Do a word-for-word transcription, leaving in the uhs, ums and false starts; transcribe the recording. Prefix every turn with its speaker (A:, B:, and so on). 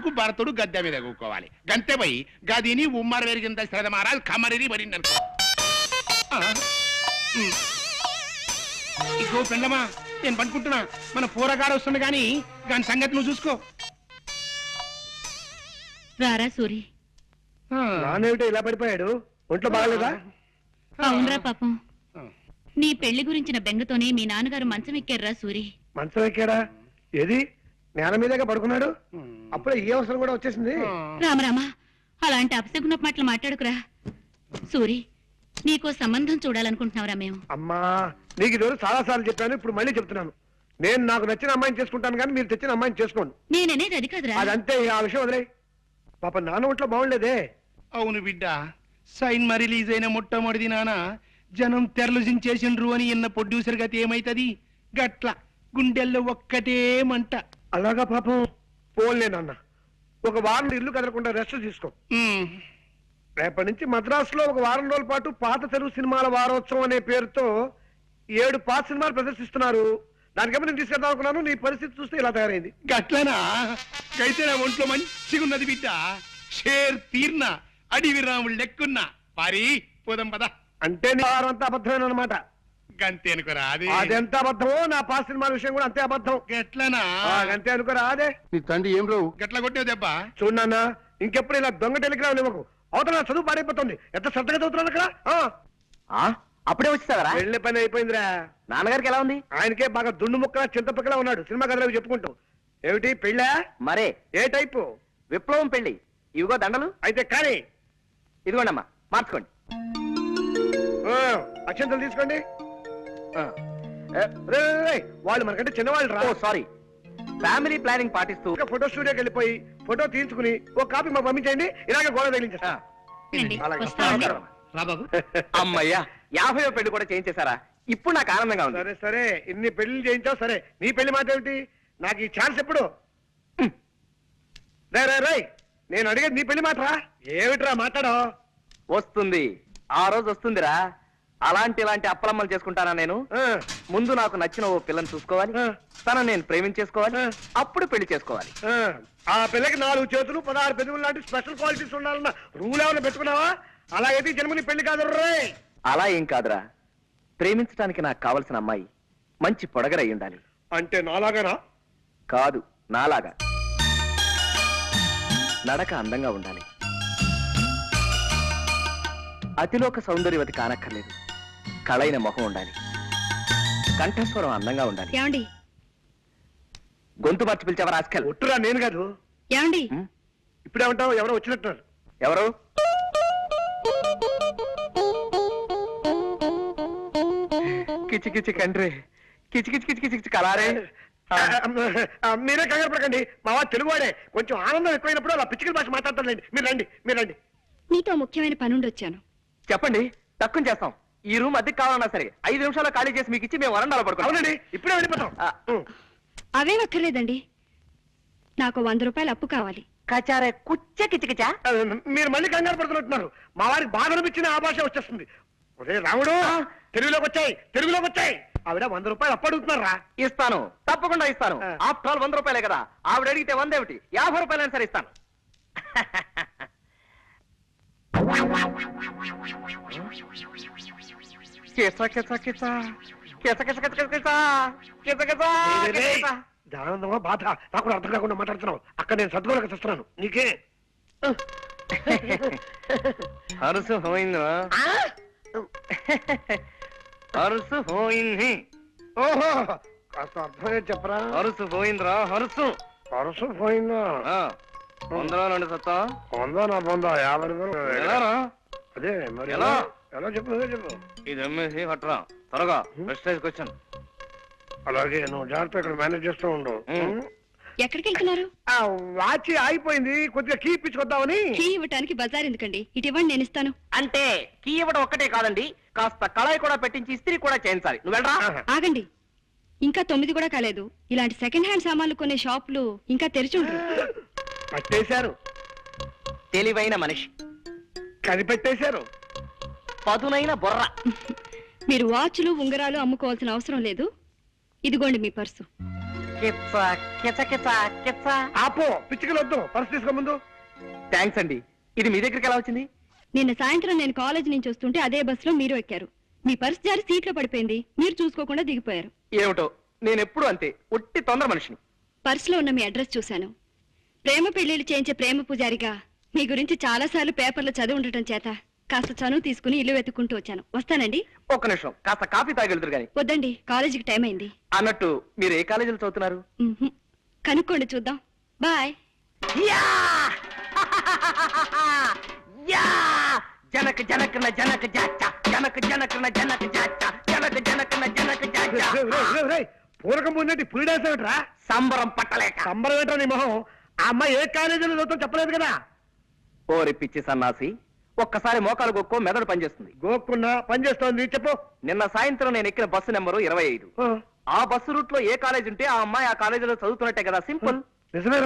A: కొడుకు భరతుడు గద్దె మీద కూకోవాలి గంతే పోయి గదిని ఉమ్మర పెరిగింద శ్రద్ధ మారాలి కమరిని పడింది అనుకో ఇగో పెళ్ళమా నేను పనుకుంటున్నా మన పూరగాడు వస్తుంది గాని దాని సంగతి నువ్వు చూసుకో
B: రారా సూరి
C: నానేమిటో ఇలా పడిపోయాడు ఒంట్లో బాగలేదా
B: అవునరా పాపం నీ పెళ్లి గురించిన బెంగతోనే మీ నాన్నగారు మంచం ఎక్కారా సూరి
C: మంచం ఎక్కాడా ఏది నేల మీదగా పడుకున్నాడు అప్పుడే ఏ అవసరం కూడా వచ్చేసింది
B: రామరామా అలాంటి అపశకున మాటలు మాట్లాడుకురా సూరి నీకో సంబంధం చూడాలనుకుంటున్నావురా మేము
C: అమ్మా నీకు ఈరోజు చాలా సార్లు చెప్పాను ఇప్పుడు మళ్ళీ చెప్తున్నాను నేను నాకు నచ్చిన అమ్మాయిని చేసుకుంటాను కానీ మీరు తెచ్చిన అమ్మాయిని చేసుకోండి
B: నేననేది అది కాదురా
C: అదంతే ఆ విషయం వదిలే పాప నాన్న ఒంట్లో బాగుండేదే
A: అవును బిడ్డ సైన్ మరి రిలీజ్ అయిన మొట్టమొదటి నాన్న జనం తెరలుజించేసిండ్రు అని ఇన్న ప్రొడ్యూసర్ గతి ఏమైతది గట్ల గుండెల్లో ఒక్కటే మంట
C: అలాగా పాపం పోన్లే నాన్న ఒక వారం ఇల్లు కదలకుండా రెస్ట్ తీసుకో రేపటి నుంచి మద్రాసులో ఒక వారం రోజుల పాటు పాత తెలుగు సినిమాల వారోత్సవం అనే పేరుతో ఏడు పాత సినిమాలు ప్రదర్శిస్తున్నారు దానికేమో నేను తీసుకెళ్దాం అనుకున్నాను నీ పరిస్థితి చూస్తే ఇలా తయారైంది
A: గట్లనా అయితే నా ఒంట్లో మంచిగా ఉన్నది బిడ్డ షేర్ తీర్న అడివి రాముడు లెక్కున్నా పారి పోదాం పద
C: అంటే నీ వారం అంతా అబద్ధమైన అనమాట
A: గంతే అనుకోరా అది
C: అదెంత అబద్ధమో నా పాత సినిమాల విషయం కూడా అంతే అబద్ధం
A: గట్లనా
C: అంతే అనుకోరా అదే
A: నీ తండ్రి ఏం రావు గట్ల కొట్టావు దెబ్బ
C: చూడన్నా ఇంకెప్పుడు ఇలా దొంగ టెలిగ్రామ్ ఇవ్వకు అవతల నా చదువు పాడైపోతుంది ఎంత శ్రద్ధగా చదువుతున్నాను అక్కడ
D: అప్పుడే వచ్చేసావరా
C: వెళ్ళే పని అయిపోయిందిరా
D: నాన్నగారికి ఎలా ఉంది
C: ఆయనకే బాగా దుండు ముక్క చింతపక్కలా ఉన్నాడు సినిమా కథలు చెప్పుకుంటూ ఏమిటి పెళ్ళా
D: మరే
C: ఏ టైపు
D: విప్లవం పెళ్లి ఇవిగో దండలు
C: అయితే కానీ
D: ఇదిగోండి అమ్మా మార్చుకోండి
C: అక్షంతలు తీసుకోండి వాళ్ళు మనకంటే చిన్నవాళ్ళు రా
D: సారీ ఫ్యామిలీ ప్లానింగ్ పాటిస్తూ
C: ఫోటో స్టూడియోకి వెళ్ళిపోయి ఫోటో తీయించుకుని ఒక కాపీ మాకు పంపించండి ఇలాగే గోడ తగిలించేస్తా
D: అమ్మయ్యా యాభై పెళ్లి కూడా చేయించేశారా ఇప్పుడు నాకు ఆనందంగా ఉంది
C: సరే సరే ఇన్ని పెళ్లి చేయించావు సరే నీ పెళ్లి మాట ఏమిటి నాకు ఈ ఛాన్స్ ఎప్పుడు రే రే రే నేను అడిగేది నీ పెళ్లి మాటరా ఏమిట్రా మాట్లాడో
D: వస్తుంది ఆ రోజు వస్తుందిరా అలాంటి ఇలాంటి అప్పలమ్మలు చేసుకుంటానా నేను ముందు నాకు నచ్చిన ఓ పిల్లని చూసుకోవాలి తను నేను ప్రేమించేసుకోవాలి అప్పుడు పెళ్లి చేసుకోవాలి
C: ఆ పిల్లకి నాలుగు చేతులు పదహారు పెదవులు లాంటి స్పెషల్ క్వాలిటీస్ ఉండాలన్న రూల్ ఏమైనా పెట్టుకున్నావా అలా అయితే జన్మని పెళ్లి కాదు రే
D: అలా ఏం కాదురా ప్రేమించడానికి నాకు కావలసిన అమ్మాయి మంచి పొడగరై ఉండాలి
C: అంటే నాలాగానా
D: కాదు నాలాగా నడక అందంగా ఉండాలి అతిలోక సౌందర్యవతి కానక్కర్లేదు కళైన మొహం ఉండాలి కంఠస్వరం అందంగా ఉండాలి
B: ఏమండి
D: గొంతు మార్చి పిలిచావా రాస్కల్
C: ఒట్టురా నేను కాదు
B: ఏమండి
C: ఇప్పుడేమంటావు ఎవరో వచ్చినట్టున్నారు
D: ఎవరు కిచి కిచి కండ్రి కిచి కిచి కిచి కిచి కిచి కలారే
C: మీరే కంగారు పడకండి మా వాడు తెలుగువాడే కొంచెం ఆనందం ఎక్కువైనప్పుడు అలా పిచ్చికల భాష మాట్లాడతారులేండి మీరు రండి మీరు రండి
B: నీతో ముఖ్యమైన పనుండి వచ్చాను
D: చెప్పండి తక్కువ చేస్తాం ఈ రూమ్ అద్దెకి కావాలన్నా సరే ఐదు నిమిషాలు ఖాళీ చేసి మీకు ఇచ్చి మేము వరండాలో పడుకోండి
C: అవునండి ఇప్పుడే వెళ్ళిపోతాం
B: అవే అక్కర్లేదండి నాకు వంద రూపాయలు అప్పు కావాలి
D: కచారే కుచ్చ కిచకిచా
C: మీరు మళ్ళీ కంగారు పడుతున్నట్టున్నారు మా వారికి బాధ అనిపించిన ఆ భాష వచ్చేస్తుంది ఒరే రాముడు తెలుగులోకి వచ్చాయి తెలుగులోకి వచ్చాయి ఆవిడ వంద రూపాయలు అప్పు అడుగుతున్నారా
D: ఇస్తాను తప్పకుండా ఇస్తాను ఆఫ్టర్ ఆల్ వంద రూపాయలే కదా ఆవిడ అడిగితే వంద ఏమిటి యాభై రూపాయలైనా సరే ఇస్తాను
C: ఆనందమా బాధ నాకు అర్థం కాకుండా మాట్లాడుతున్నావు అక్కడ నేను సద్గోళక చూస్తున్నాను నీకే
D: హరుసు పోయిందా హరుసు పోయింది
C: ఓహో కాస్త అర్థమే చెప్పరా
D: హరుసు పోయిందిరా హరుసు
C: హరుసు పోయిందా
D: వందలో రెండు సత్తా
C: వందా నా పొందా యాభై
D: ఎలారా
C: అదే మరి
D: ఎలా
C: ఎలా చెప్పు అదే చెప్పు
D: ఇది అమ్మేసి పట్టరా త్వరగా ప్రెస్టేజ్కి వచ్చాను
C: అలాగే నువ్వు జాగ్రత్త ఇక్కడ మేనేజ్ చేస్తూ ఉండు
B: ఎక్కడికి వెళ్తున్నారు
C: వాచ్ ఆగిపోయింది కొద్దిగా కీ ఇప్పించుకొద్దామని
B: కీ ఇవ్వటానికి బజార్ ఎందుకండి ఇటు ఇవ్వండి నేను ఇస్తాను
D: అంటే కీ ఇవ్వడం ఒక్కటే కాదండి కాస్త కళాయి కూడా పెట్టించి ఇస్త్రీ కూడా చేయించాలి నువ్వు వెళ్ళరా
B: ఆగండి ఇంకా తొమ్మిది కూడా కాలేదు ఇలాంటి సెకండ్ హ్యాండ్ సామాన్లు కొనే షాపులు ఇంకా తెరిచి ఉంటారు
C: పట్టేశారు
D: తెలివైన మనిషి
C: కనిపెట్టేశారు
D: పదునైన బొర్ర
B: మీరు వాచ్లు ఉంగరాలు అమ్ముకోవాల్సిన అవసరం లేదు ఇదిగోండి మీ పర్సు
D: కిచ్చ కిచ కిచ కిచ్చ.
C: ఆపో పిచ్చికలు వద్దు, పర్స్ తీసుకో ముందు.
D: థ్యాంక్స్ అండి. ఇది మీ దగ్గరికి ఎలా వచ్చింది?
E: నిన్న సాయంత్రం నేను కాలేజ్ నుంచి వస్తుంటే అదే బస్సులో మీరు ఎక్కారు. మీ పర్స్ జారి సీట్లో పడిపోయింది, మీరు చూసుకోకుండా దిగిపోయారు.
D: ఏమిటో నేను ఎప్పుడు అంతే, ఒట్టి తొందర మనిషిని.
E: పర్సులో ఉన్న మీ అడ్రస్ చూశాను. ప్రేమ పెళ్లిళ్ళు చేయించే ప్రేమ పూజారిగా మీ గురించి చాలా సార్లు పేపర్లో చదివి ఉండటం చేత కాస్త చనువు తీసుకుని ఇల్లు వెతుక్కుంటూ వచ్చాను. వస్తానండి.
D: ఒక్క నిమిషం, కాస్త కాఫీ తాగెళ్తురు గాని.
E: వద్దండి, కాలేజీకి టైం అయింది.
D: అన్నట్టు మీరు ఏ కాలేజీలో చదువుతున్నారు?
E: ఉహుం. కనుక్కోండి చూద్దాం. బాయ్.
D: యా! యా! జనక జనకన జనక జాచ జనక జనకన జనక జాచ జనక జనకన జనక జాచ.
C: రేయ్, రేయ్, రేయ్, రేయ్, పూరకం పొందేటి పులి డాన్స్ ఏమిట్రా?
D: సంబరం పట్టలేక.
C: సంబరం ఏంట్రా నీ మొహం? ఆ అమ్మాయి ఏ కాలేజీలో చదువుతావు చెప్పలేదు కదా.
D: ఓరి పిచ్చి సన్నాసి, ఒక్కసారి మోకాలు గొక్కో మెదడు పనిచేస్తుంది.
C: గోక్కున్నా పని చేస్తోంది చెప్పు.
D: నిన్న సాయంత్రం నేను ఎక్కిన బస్సు నెంబరు ఇరవై ఐదు.
C: ఆ,
D: ఆ బస్సు రూట్ లో ఏ కాలేజ్ ఉంటే ఆ అమ్మాయి ఆ కాలేజీలో చదువుతున్నట్టే కదా. సింపుల్.
C: నిజమే.